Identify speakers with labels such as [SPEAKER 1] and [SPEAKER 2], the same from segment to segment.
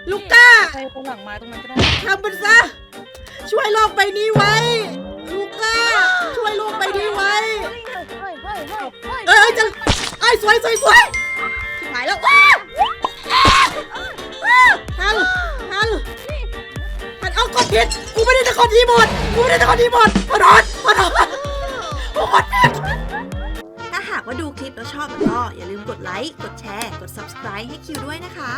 [SPEAKER 1] ลูก้า
[SPEAKER 2] ไปตรงหลังไม้ตรงนั้นก็ได้
[SPEAKER 1] ทำมันซะช่วยโลกใบนี้ไว้ลูก้าช่วยโลกใบนี้ไว้จะสวยชิบหายแล้วทันเอากดผิดกูไม่ได้จะกดทีหมดพอดถ้าหากว่าดูคลิปแล้วชอบก็อย่าลืมกดไลค์กดแชร์กด Subscribe ให้คิวด้วยนะคะ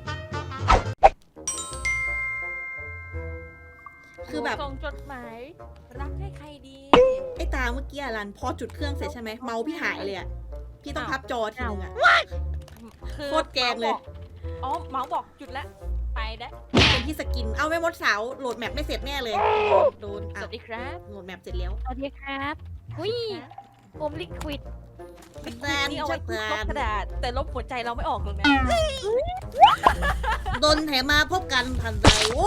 [SPEAKER 1] คือแบบ
[SPEAKER 3] ส่งจดหมายรักให้ใครดี
[SPEAKER 1] ไอ้ตาเมื่อกี้รันพอจุดเครื่องเสร็จใช่ไหมเมาส์พี่หายเลยอะพี่ต้องพับจอทีนึงอะ โคตรแกงเลย
[SPEAKER 3] อ๋อเมาส์บอกจุดแล้วไปได้
[SPEAKER 1] เป็นที่สกินเอาไม่มดสาวโหลดแมปไม่เสร็จแน่เลยโดน
[SPEAKER 3] สวัสดีครับ
[SPEAKER 1] โหลดแมปเสร็จแล้ว
[SPEAKER 4] สวัสดีครับหุ้ยผมลิควิด
[SPEAKER 1] แซน
[SPEAKER 3] นี่เอาไว้
[SPEAKER 1] แซ
[SPEAKER 3] ลบ
[SPEAKER 1] น
[SPEAKER 3] กระดาษแต่ลบหัวใจเราไม่ออกเลยนะ
[SPEAKER 1] โดนแถมาพบกันทันใดโว้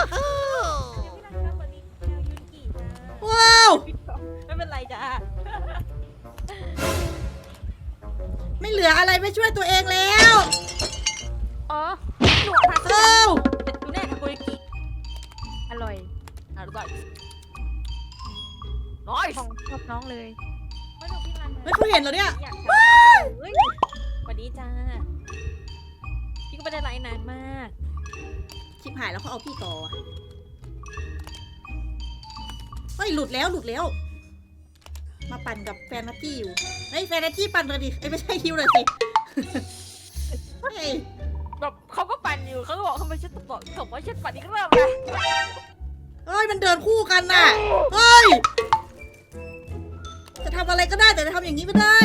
[SPEAKER 1] ว้าว
[SPEAKER 3] ไม่เป็นไรจ้า
[SPEAKER 1] ไม่เหลืออะไรไม่ช่วยตัวเองแล้ว
[SPEAKER 4] อ๋อ
[SPEAKER 3] หนวดทา
[SPEAKER 1] เอ้า
[SPEAKER 3] เป็นดูแน่ทาโกยากิ
[SPEAKER 4] อร่อย
[SPEAKER 3] อร่อยน้อย
[SPEAKER 4] ของชอบน้องเลย
[SPEAKER 3] ไม่ดูพี่รัน
[SPEAKER 1] ไม่เขาเห็นเหรอเนี่ย
[SPEAKER 3] อยากเฮ้ยสวัสดีจ้าพี่ก็ไม่ได้ไลฟ์นานมาก
[SPEAKER 1] ชิบหายแล้วเขาเอาพี่ต่อเฮ้ยหลุดแล้วมาปั่นกับแฟนนัตตี้อยู่เฮ้ยแฟนนัตตี้ปั่นเลยดิไม่ใช่คิวเลยสิเฮ้ย
[SPEAKER 3] แบบเขาก็ปั่นอยู่เขาก็บอกทำไมฉันบอกส่งว่าฉันปั่นอีกรอบนะ
[SPEAKER 1] เฮ้ยมันเดินคู่กันน่ะเฮ้ยจะทำอะไรก็ได้แต่จะทำอย่างนี้ไม่ได้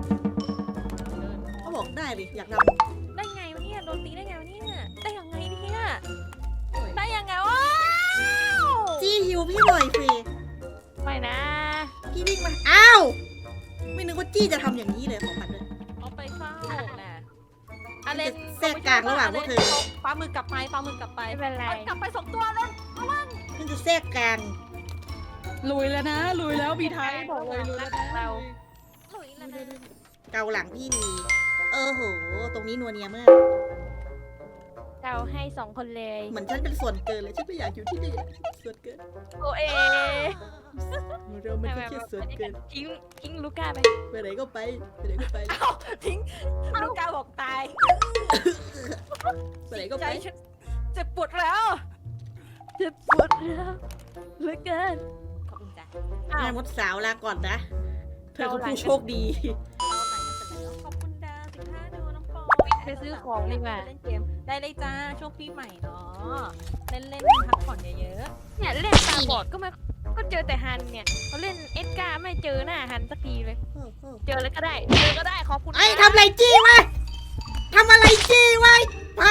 [SPEAKER 1] เขาบอกได้ดิอยากทำ
[SPEAKER 3] ได้ไงวะเนี่ยโดนตีได้ไงวะเนี่ยได้ยังไงเนี่ยได้ยังไงว้าว
[SPEAKER 1] จี้ฮิวพี่หน่อยสิ
[SPEAKER 4] ไม่นะ
[SPEAKER 1] พี่วิ่งมาอ้าวไม่นึกว่าจี้จะทำอย่างนี้เลยของมันเลย
[SPEAKER 3] เอาไปเฝ้านะอะไร
[SPEAKER 1] แทรกกลางระหว่างพวกเธอ
[SPEAKER 3] ปลาหมึกกลับไปปลาหมึกกลับไป
[SPEAKER 4] ไม่เป็นไร
[SPEAKER 3] กลับไปสองตัวเลย
[SPEAKER 1] มันจะแทรกกลาง
[SPEAKER 2] ลุยแล้วนะลุยแล้วบีไทยบอกเลยลุยแล้วนะ
[SPEAKER 4] เรา
[SPEAKER 3] หลุยแล้วนะ
[SPEAKER 1] เกาหลังพี่ดีโหตรงนี้นัวเนียมาก
[SPEAKER 4] เราให้สองคนเลย
[SPEAKER 1] เหมือนฉันเป็นส่วนเกินเลยฉันไม่อยากอยู่ที่นี่ส่วนเกิน
[SPEAKER 4] โอเอ
[SPEAKER 1] เราไม่ใช่แค่ส่วนเกิน
[SPEAKER 4] ทิ้งลูก้าไป
[SPEAKER 1] ไปไหนก็ไปไปไหนก็ไป
[SPEAKER 3] เอ้าทิ้งลูกกาบอกตาย
[SPEAKER 1] ไปไหนก็
[SPEAKER 3] ใจ
[SPEAKER 1] ไป
[SPEAKER 3] ฉันเจ็บปวดแล้ว
[SPEAKER 4] เจ็บปวดแล้วเหลือเกิน
[SPEAKER 3] ขอบคุณจ้ะ
[SPEAKER 1] แม่มดสาวลาก่อนนะเธอคือผู้โชคดี
[SPEAKER 3] เอาไหนกันเสร็จแล้วขอบคุณดา15ดูน้องปอ
[SPEAKER 4] ไปซื้อของดีกว่า
[SPEAKER 3] เล่นเกมได้เลยจ้าช่วงปีใหม่เนาะเล่นพักผ่อนเยอะ
[SPEAKER 4] เนี่ยเล่นตาบอดก็เจอแต่ฮันเนี่ยเขาเล่นเอ็ดการ์ไม่เจอหน้าฮันสักทีเลย เจอแล้วก็ได้ขอบคุณ
[SPEAKER 1] ไอ้ทำอะไรจี้วะทำอะไรจี้วะไป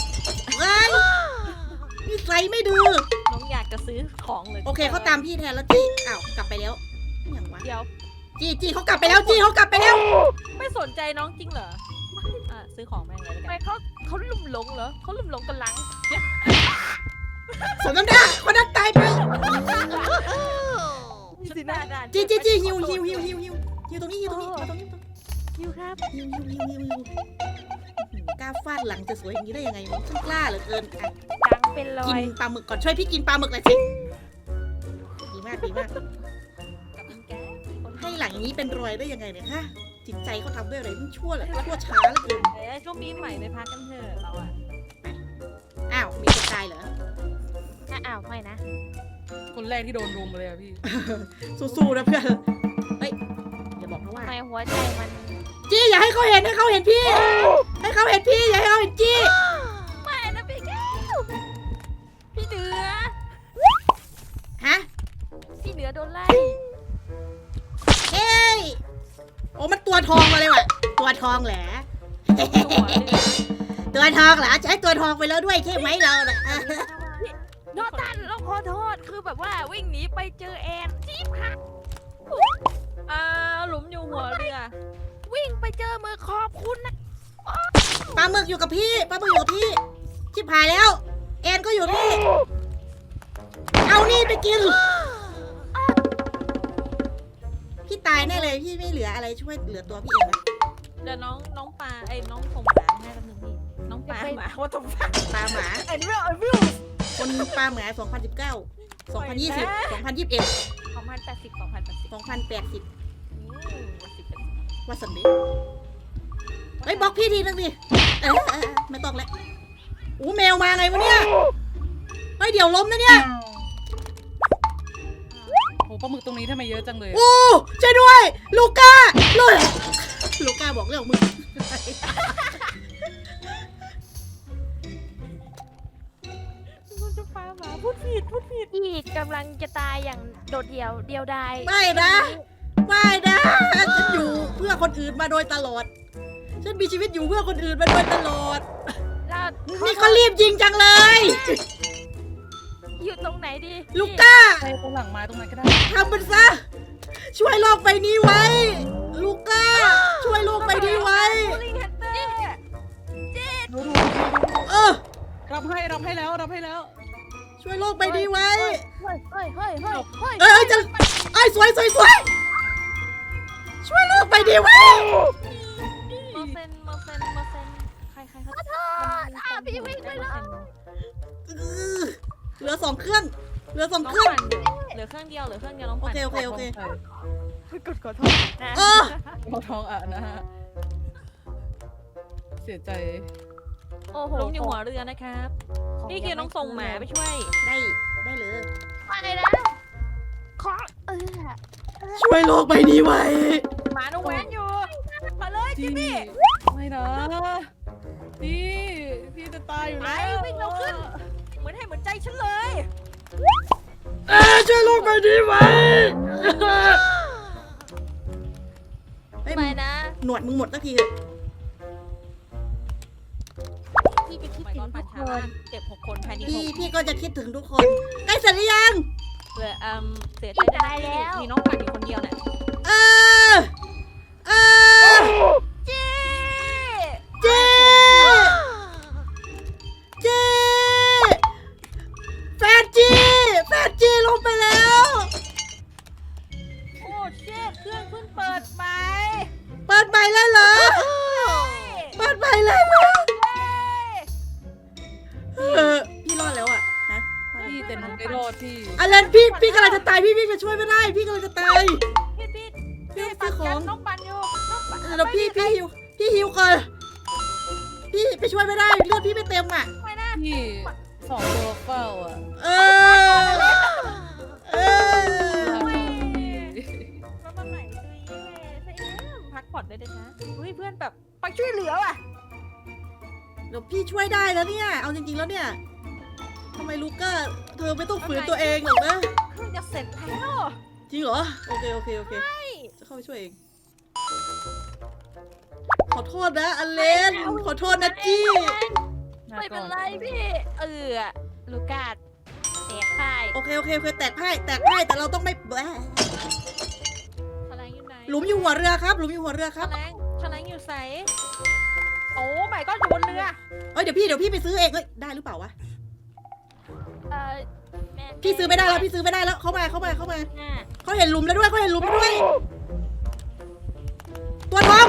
[SPEAKER 1] นิสัยไม่ดู
[SPEAKER 3] ๆน้องอยากจะซื้อของเลย
[SPEAKER 1] โอเคเขาตามพี่แทนแล้วจี้อ้าวกลับไปแล้วอย่างวะ
[SPEAKER 3] เดี๋ยว
[SPEAKER 1] จี้เขากลับไปแล้วจี้เขากลับไปแล้ว
[SPEAKER 3] ไม่สนใจน้องจริงเหรอซื้อของแม่งเลยแล้ว
[SPEAKER 4] ทำไม
[SPEAKER 3] กัน
[SPEAKER 4] เขาลุ่มหลงเหรอเขาลุ่มหลงกันหลัง
[SPEAKER 1] สมน้ำหน้าคนนั้นตายไป
[SPEAKER 3] สินะด่าน
[SPEAKER 1] จี้ฮิวตรงนี้ตรงนี้
[SPEAKER 4] คิวครับ
[SPEAKER 1] ฮิวกล้าฟาดหลังจะสวยอย่างนี้ได้ยังไงวะฉันกล้าเหลือเกินอ่ะ
[SPEAKER 4] ดังเป็นรอ
[SPEAKER 1] กิน
[SPEAKER 4] ย
[SPEAKER 1] ปลาหมึกก่อนช่วยพี่กินปลาหมึกหน่อยสิดีมาก
[SPEAKER 3] กับอิงแกคน
[SPEAKER 1] ให้หลังอย่างนี้เป็นรอยได้ยังไงเนี่ยฮะจิตใจเขาทำด้วยอะไรมันชั่วเหลือชั่วช้าเหลือเกิน
[SPEAKER 3] ช่วงปีใหม่ไปพักกันเถอะเราอะ
[SPEAKER 1] อ้าวมีคนตายเหรอ
[SPEAKER 4] อ้าวไม่นะ
[SPEAKER 2] คนแรกที่โดนรุมเลยอะพี่
[SPEAKER 1] สู้ๆนะเพื่อนเฮ้ยอย่าบอกนะว่า
[SPEAKER 4] ทำไมหัวใจมัน
[SPEAKER 1] จี้อย่าให้เขาเห็นให้เขาเห็นพี่อย่าให้เขาเห็นจี้
[SPEAKER 4] ไม่นะพี่แก้วพี่เหนือ
[SPEAKER 1] ฮะ
[SPEAKER 4] พี่เหนือโดนไล่
[SPEAKER 1] เฮ้ยโอ้มันตัวทองมาเลยว่ะตัวทองแหละ
[SPEAKER 3] ตัวเลย
[SPEAKER 1] ตัวทองเหรอใช้ตัวทองไปแล้วด้วยใช่ไหมเราน่ะ
[SPEAKER 4] โดนตันเราขอโทษคือแบบว่าวิ่งหนีไปเจอแอนจี๊บค่ะ
[SPEAKER 3] หลุมอยู่หัวเรือ
[SPEAKER 4] วิ่งไปเจอมือขอบคุณนะ
[SPEAKER 1] ปลาหมึกอยู่กับพี่ชิบหายแล้วแอนก็อยู่นี่เอานี่ไปกินพี่ตายแน่เลยพี่ไม่เหลืออะไรช่วยเหลือตัวพี่เองนะ
[SPEAKER 3] เดี๋ยวน้องปลาน้องส่งหมาให้แป๊บนึงพี่น้อง
[SPEAKER 4] จะไป
[SPEAKER 3] หมาว่าต้องฟัง
[SPEAKER 1] ปลาหมา
[SPEAKER 3] ไอ้นี่ไอ้วิว
[SPEAKER 1] คนปลาหมา2019 2020 2021
[SPEAKER 3] 2080
[SPEAKER 1] 2080
[SPEAKER 3] 2080
[SPEAKER 1] ว่าสันดิเฮ้ยบล็อกพี่ทีนึงดิไม่ต้องแล้วแมวมาไงวะเนี่ยเฮ้ยเดี๋ยวล้มนะเนี่ย
[SPEAKER 2] โหปลาหมึกตรงนี้ทำไมเยอะจังเลย
[SPEAKER 1] โอ้ช่วยด้วยลูก้าลูก้าบอกเรื่องมึง
[SPEAKER 3] มันจะปาหมาพูดผิด
[SPEAKER 4] พี่กำลังจะตายอย่างโดดเดี่ยวดาย
[SPEAKER 1] ไม่นะฉันอยู่เพื่อคนอื่นมาโดยตลอดฉันมีชีวิตอยู่เพื่อคนอื่นมาโดยตลอด
[SPEAKER 4] แล้ว
[SPEAKER 1] นี่ก็รีบยิงจังเลย
[SPEAKER 4] อยู่ตรงไหนดี
[SPEAKER 1] ลูก้า
[SPEAKER 2] ไปตรงหลังไม้ตรงนั้นก็ได้
[SPEAKER 1] ทำมันซะช่วยโลกใบนี้ไว้ ลูก้าช่วยโลกใบนี้ไว้
[SPEAKER 3] ลิงฮันเตอร์
[SPEAKER 2] ดู
[SPEAKER 1] เออ
[SPEAKER 2] รับให้แล้ว
[SPEAKER 1] ช่วยโลกใบนี้ไว้
[SPEAKER 4] เฮ้ย
[SPEAKER 1] จะสวยช่วยโลกใบนี้ไว้
[SPEAKER 3] เมอร์เซนใครเขา
[SPEAKER 4] พี่วิ่งไปเลย
[SPEAKER 1] เหลือ2 เครื่องเหลือ2
[SPEAKER 3] น้อง
[SPEAKER 1] เครื่อง
[SPEAKER 3] ปั่นเหลือเครื่องเดียวน้อง
[SPEAKER 1] โอ
[SPEAKER 3] ปั่น
[SPEAKER 1] เค
[SPEAKER 3] ขอโทษนะ
[SPEAKER 1] เออ
[SPEAKER 2] หัวทองอ่ะนะฮะเสียใจ
[SPEAKER 4] โอ้โห
[SPEAKER 3] ล้มอยู่หัวเรือนะครับพี่คิวต้องส่งหมาไปช่วย
[SPEAKER 1] ได้เลย
[SPEAKER 4] ไปนะขอ
[SPEAKER 1] ช่วยโลกใบนี้ไว้
[SPEAKER 3] หมาน้องแวนอยู่มาเลย
[SPEAKER 2] จริ
[SPEAKER 3] จิ
[SPEAKER 2] ง
[SPEAKER 3] มมี่
[SPEAKER 2] ไม่นะพี่จะตายอยู่
[SPEAKER 3] ไป
[SPEAKER 2] แล้ว
[SPEAKER 3] วิ่งเร็วขึ้นเหมือนใจฉันเลย
[SPEAKER 1] ช่วยโลกใบนี้ไว้เฮ้ย
[SPEAKER 4] ไปนะ
[SPEAKER 1] หนวดมึงหมดสักทีเถอะ
[SPEAKER 4] พี่จะคิด
[SPEAKER 3] ไป
[SPEAKER 4] ถึ
[SPEAKER 3] ร้อง น
[SPEAKER 4] ทุ
[SPEAKER 3] ปั่น
[SPEAKER 4] ก
[SPEAKER 3] ช้า
[SPEAKER 4] คน
[SPEAKER 3] เจ็บ6 คนภายใน
[SPEAKER 1] พี่ก็จะคิดถึงทุกคนใกล้เสร็จหรือยัง
[SPEAKER 3] 6เหลือเสียใจได้มีน้องปั่นอยู่คนเดียวเนี่ย
[SPEAKER 1] เออ
[SPEAKER 3] เจ๊
[SPEAKER 1] เจ๊แฟนจีลงไปแล้ว
[SPEAKER 3] โอ้เช็ดเครื่องเพิ่งเปิดใหม่
[SPEAKER 1] เปิดใหม่แล้วเหรอเปิดใหม่แล้วเหรอพี่รอดแล้วอ่ะฮะ
[SPEAKER 2] พี่แต่หนูไม่รอดพี่
[SPEAKER 1] อะไรพี่กำลังจะตายพี่จะช่วยไม่ได้พี่กำลังจะตาย
[SPEAKER 3] พี่ปั่นกันน้องปั่นอยู่น้องปั่น
[SPEAKER 1] แล้วพี่หิวก่อนพี่ไปช่วยไม่ได้เลือดพี่ไม่เต็มอ่ะ
[SPEAKER 3] ไม่นะ
[SPEAKER 2] พี่2 ตัวเฝ้าอ่ะ
[SPEAKER 1] เออ
[SPEAKER 3] แล้วมาใหม่ดูพักผ่อนได้เลยนะเฮ้ยเพื่อนแบบไปช่วยเหลือว่ะ
[SPEAKER 1] เดี๋ยวพี่ช่วยได้แล้วเนี่ยเอาจริงๆแล้วเนี่ยทำไมลูก้าเธอไม่ต้องฝืนตัวเองหรอกนะ
[SPEAKER 3] เครื่องจะเสร็จแล้ว
[SPEAKER 1] จริงเหรอโอเคจะเข้าไปช่วยเองขอโทษนะอเลนขอโทษนะจี้
[SPEAKER 4] ไม่เป็นไรพี่ลูกาดแตกพ่าย
[SPEAKER 1] โอเคแตกไพ่แต่เราต้องไม่แบะ
[SPEAKER 3] แฉลงอยู่ไหน
[SPEAKER 1] หลุมอยู่หัวเรือครับหลุมอยู่หัวเรือครับ
[SPEAKER 3] แฉลงอยู่ใสโอ้ไม่ก็อยู่บนเรือ
[SPEAKER 1] เอ้ยเดี๋ยวพี่ไปซื้อเองเอ้ยได้หรือเปล่าวะ
[SPEAKER 4] แม่
[SPEAKER 1] พี่ซื้อไม่ได้แล้วเข้ามาเขาเห็นหลุมแล้วด้วยตัวทอง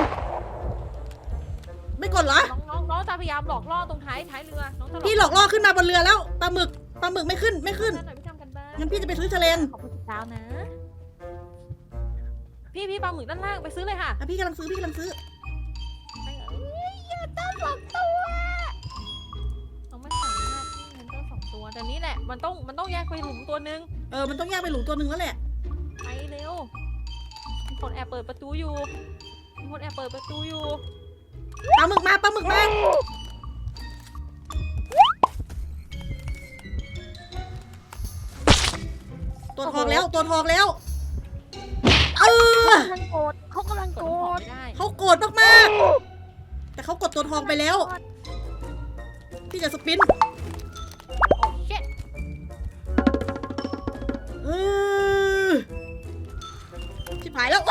[SPEAKER 1] ไม่กดเหรอ
[SPEAKER 3] น้องจะพยายามหลอกล่อตรงท้ายเรือน้องจะ
[SPEAKER 1] พี่หลอกล่อขึ้นมาบนเรือแล้วปลาหมึกไม่ขึ้น
[SPEAKER 3] หน่อยพี่ทำกันบ้าง
[SPEAKER 1] งั้นพี่จะไปซื้อแฉลง
[SPEAKER 3] ขอบคุณดาวนะพี่ปลาหมึกด้านล่างไปซื้อเลยค่ะ
[SPEAKER 1] อ่ะพี่กำลังซื้อ
[SPEAKER 3] ต้อง2 ตัวน้องไม่สามารถที่มันต้อง2 ตัวแต่นี้แหละมันต้องแยกไปหลุมตัวนึง
[SPEAKER 1] มันต้องแยกไปหลุมตัวหนึ่งแล้วแหละ
[SPEAKER 3] ไปเร็วมีคนแอบเปิดประตูอยู่
[SPEAKER 1] ปลาหมึกมาตัวทองแล้ว
[SPEAKER 4] เขากำลังโกรธ
[SPEAKER 3] ไม่ได้
[SPEAKER 1] เขาโกรธมากๆแต่เขากดตัวทองไปแล้วพี่จะสปิน
[SPEAKER 3] โอ้เช็ด
[SPEAKER 1] ชิบหายแล้ว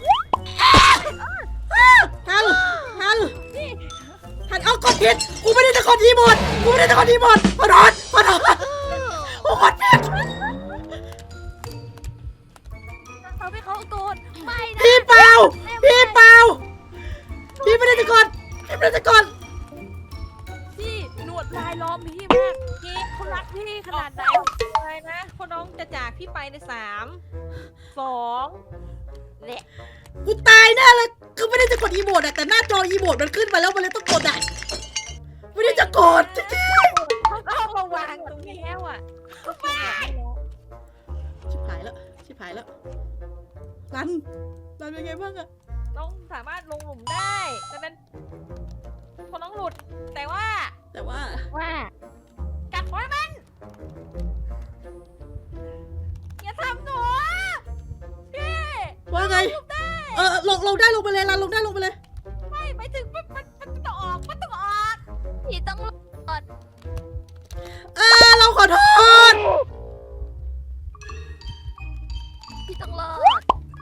[SPEAKER 1] ทันเอากดผิดกูไม่ได้จะกดทีหมดขอโทษโอ้กดผิด
[SPEAKER 4] เขาไม่เขาโกรธไม่นะ
[SPEAKER 1] พี่เปล่าพี่ไม่ได้จะกด
[SPEAKER 4] วจรายล้อมพี่มากพี่เขารักพี่ขนาดไหน
[SPEAKER 3] อะไรนะพอน้องจะจากพี่ไปใน3 2และ
[SPEAKER 1] กูตายแน่เลยคือไม่ได้จะกดอีโมดอะแต่หน้าจออีโมดมันขึ้นมาแล้วมันเลยต้องกดอะไม่ได้จะกดจริง
[SPEAKER 3] เขาก็เอามาวางตรงนี้
[SPEAKER 4] แล้วอ่ะ
[SPEAKER 1] ๆชิบหายแล้วชิบหายแล้วรันเป็นไงบ้างอะ
[SPEAKER 3] น้องสามารถลงหลุมได้ดังนั้นพอน้องหลุด แต่ว่า
[SPEAKER 4] ว่า
[SPEAKER 3] กัดไว้มันอย่าทำหนูพี่
[SPEAKER 1] ว่าไงลงได้ลงไปเลยรันลงได้ลงไปเลย
[SPEAKER 3] ไม่ถึงมันต้องออกมันต้องออก
[SPEAKER 4] พี่ต้องรอด
[SPEAKER 1] เราขอโทษ
[SPEAKER 4] พี่ต้องรอด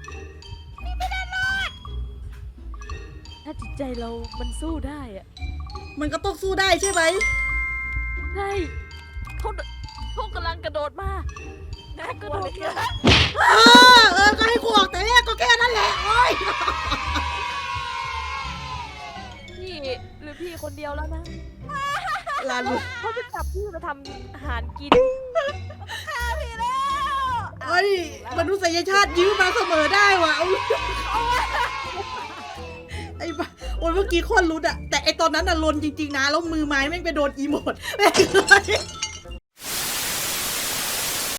[SPEAKER 4] ถ้าจิตใจเรามันสู้ได้อะ
[SPEAKER 1] มันก็ต้องสู้ได้ใช่ไหม
[SPEAKER 4] ใช่เขากำลังกระโดดมา
[SPEAKER 3] น่ากลัวเหลยเกิน
[SPEAKER 1] ก็ให้กูออกแต่แรกก็แค่นั้นแหละโอ้ย
[SPEAKER 4] พี่หรือพี่คนเดียวแล้วนะ
[SPEAKER 1] รัน
[SPEAKER 4] เขาจะจับพี่มาทำอาหารกิน
[SPEAKER 3] พี่แล้ว
[SPEAKER 1] เอ้ยมนุษยชาติยื้อมาเสมอได้ว่ะเอาไอ้บ้าโอ้ยเมื่อกี้โคตรรุดอะแต่ไอตอนนั้นอะลนจริงๆนะแล้วมือไม้แม่งไปโดนอีโมดแม่งเลย